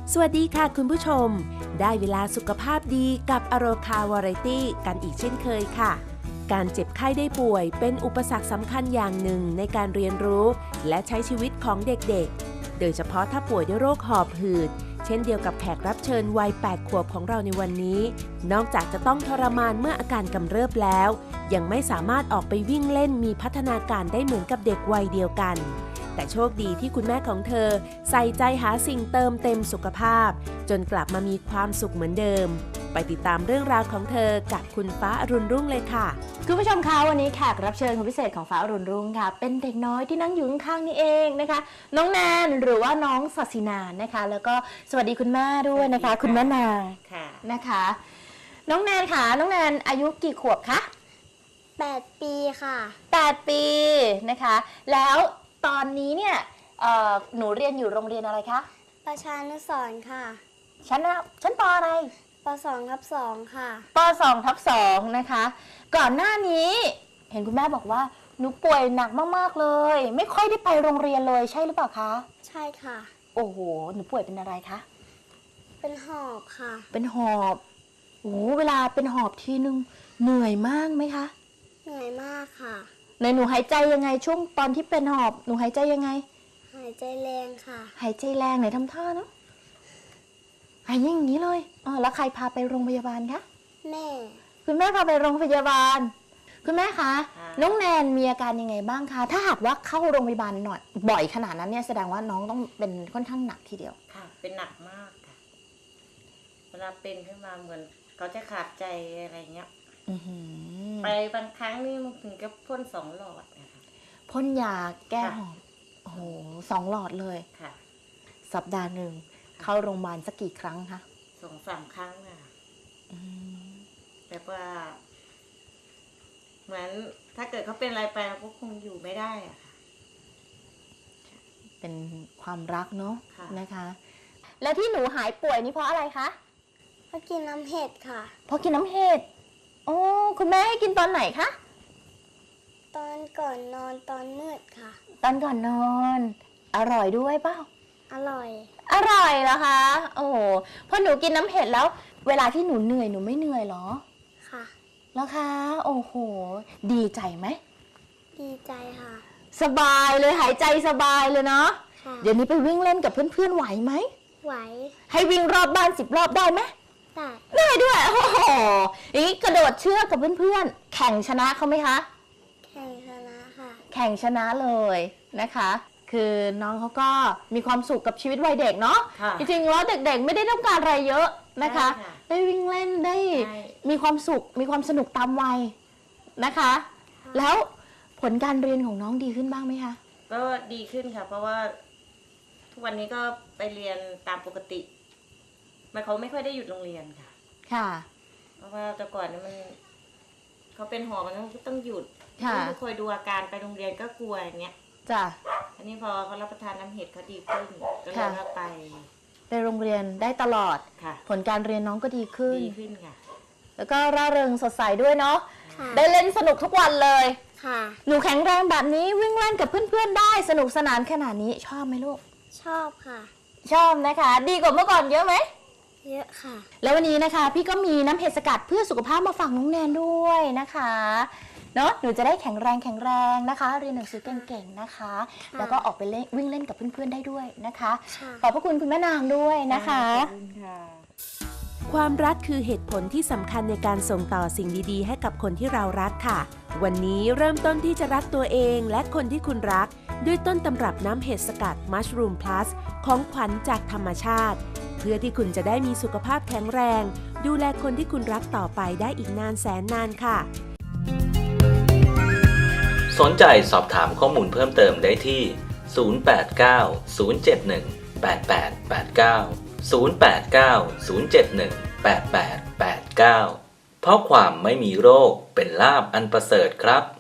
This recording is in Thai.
สวัสดีค่ะคุณผู้ชมได้เวลาสุขภาพดีกับอโรคาวาไรตี้กันอีกเช่นเคยค่ะการเจ็บไข้ได้ป่วยเป็นอุปสรรคสำคัญอย่างหนึ่งในการเรียนรู้และใช้ชีวิตของเด็กๆโดยเฉพาะถ้าป่วยด้วยโรคหอบหืดเช่นเดียวกับแขกรับเชิญวัย 8 ขวบของเราในวันนี้นอกจากจะต้องทรมานเมื่ออาการกำเริบแล้วยังไม่สามารถออกไปวิ่งเล่นมีพัฒนาการได้เหมือนกับเด็กวัยเดียวกันแต่โชคดีที่คุณแม่ของเธอใส่ใจหาสิ่งเติมเต็มสุขภาพจนกลับมามีความสุขเหมือนเดิมไปติดตามเรื่องราวของเธอกับคุณฟ้าอรุณรุ่งเลยค่ะคุณผู้ชมคะวันนี้แขกรับเชิญคนพิเศษของฟ้าอรุณรุ่งค่ะเป็นเด็กน้อยที่นั่งอยู่ข้างๆนี่เองนะคะน้องแนนหรือว่าน้องศศินานะคะแล้วก็สวัสดีคุณแม่ด้วยนะคะคุณแม่นางนะคะน้องแนนค่ะน้องแนนอายุกี่ขวบคะ 8 ปีค่ะ 8 ปีนะคะแล้วตอนนี้เนี่ยหนูเรียนอยู่โรงเรียนอะไรคะประชานุสรณ์ค่ะชั้นปอะไรป2/2ค่ะป2/2นะคะก่อนหน้านี้เห็นคุณแม่บอกว่าหนูป่วยหนักมากๆเลยไม่ค่อยได้ไปโรงเรียนเลยใช่หรือเปล่าคะใช่ค่ะโอ้โหหนูป่วยเป็นอะไรคะเป็นหอบค่ะเป็นหอบโอ้เวลาเป็นหอบทีนึงเหนื่อยมากไหมคะเหนื่อยมากค่ะหนูหายใจยังไงช่วงตอนที่เป็นหอบหนูหายใจยังไงหายใจแรงค่ะหายใจแรงไหนทำท่าเนาะหายอย่างนี้เลยแล้วใครพาไปโรงพยาบาลคะแม่คุณแม่พาไปโรงพยาบาลคุณแม่คะน้องแนนมีอาการยังไงบ้างคะถ้าหากว่าเข้าโรงพยาบาลหน่อยบ่อยขนาดนั้นเนี่ยแสดงว่าน้องต้องเป็นค่อนข้างหนักทีเดียวค่ะเป็นหนักมากค่ะเวลาเป็นขึ้นมาเหมือนเขาจะขาดใจอะไรเงี้ยไปบางครั้งนี่มันถึงกับพ่น2 หลอดนะคะพ่นยาแก้หอบโอ้โห2 หลอดเลยค่ะสัปดาห์หนึ่งเข้าโรงพยาบาลสักกี่ครั้งคะ 2-3 ครั้งค่ะแต่ว่าเหมือนถ้าเกิดเขาเป็นอะไรไปเราก็คงอยู่ไม่ได้อะค่ะเป็นความรักเนาะนะคะแล้วที่หนูหายป่วยนี่เพราะอะไรคะเพราะกินน้ำเห็ดค่ะเพราะกินน้ำเห็ดโอ้คุณแม่ให้กินตอนไหนคะตอนก่อนนอนตอนมืดค่ะตอนก่อนนอนอร่อยด้วยเปล่าอร่อยเหรอคะโอ้โหพอหนูกินน้ำเห็ดแล้วเวลาที่หนูเหนื่อยหนูไม่เหนื่อยหรอค่ะแล้วคะโอ้โหดีใจไหมดีใจค่ะสบายเลยหายใจสบายเลยเนาะเดี๋ยวนี้ไปวิ่งเล่นกับเพื่อนๆไหวไหมไหวให้วิ่งรอบบ้าน10 รอบได้ไหมได้ด้วยโอ้โหอย่างนี้กระโดดเชือกกับเพื่อนๆแข่งชนะเขาไหมคะแข่งชนะค่ะแข่งชนะเลยนะคะคือน้องเขาก็มีความสุขกับชีวิตวัยเด็กเนาะจริงๆแล้วเด็กๆไม่ได้ต้องการอะไรเยอะนะคะได้วิ่งเล่นได้มีความสุขมีความสนุกตามวัยนะคะแล้วผลการเรียนของน้องดีขึ้นบ้างไหมคะก็ดีขึ้นค่ะเพราะว่าทุกวันนี้ก็ไปเรียนตามปกติเขาไม่ค่อยได้หยุดโรงเรียนค่ะค่ะเพราะว่าแต่ก่อนนี่มันเขาเป็นหอบมันต้องหยุดต้องคอยดูอาการไปโรงเรียนก็กลัวอย่างเงี้ยจ้ะอันนี้พอเขารับประทานน้ำเห็ดเขาดีขึ้นก็เลยว่าไปโรงเรียนได้ตลอดผลการเรียนน้องก็ดีขึ้นค่ะแล้วก็ร่าเริงสดใสด้วยเนาะได้เล่นสนุกทุกวันเลยค่ะหนูแข็งแรงแบบนี้วิ่งเล่นกับเพื่อนๆได้สนุกสนานขนาดนี้ชอบไหมลูกชอบค่ะชอบนะคะดีกว่าเมื่อก่อนเยอะไหมเยอะค่ะแล้ววันนี้นะคะพี่ก็มีน้ำเห็ดสกัดเพื่อสุขภาพมาฝากน้องแนนด้วยนะคะเนาะหนูจะได้แข็งแรงนะคะเรียนหนังสือเก่งๆนะคะแล้วก็ออกไปวิ่งเล่นกับเพื่อนๆได้ด้วยนะคะขอบพระคุณคุณแม่นางด้วยนะคะความรักคือเหตุผลที่สำคัญในการส่งต่อสิ่งดีๆให้กับคนที่เรารักค่ะวันนี้เริ่มต้นที่จะรักตัวเองและคนที่คุณรักด้วยต้นตำรับน้ำเห็ดสกัด Mushroom Plus ของขวัญจากธรรมชาติเพื่อที่คุณจะได้มีสุขภาพแข็งแรงดูแลคนที่คุณรักต่อไปได้อีกนานแสนนานค่ะสนใจสอบถามข้อมูลเพิ่มเติมได้ที่ 089 071 8889 089 071 8889 เพราะความไม่มีโรคเป็นลาภอันประเสริฐครับ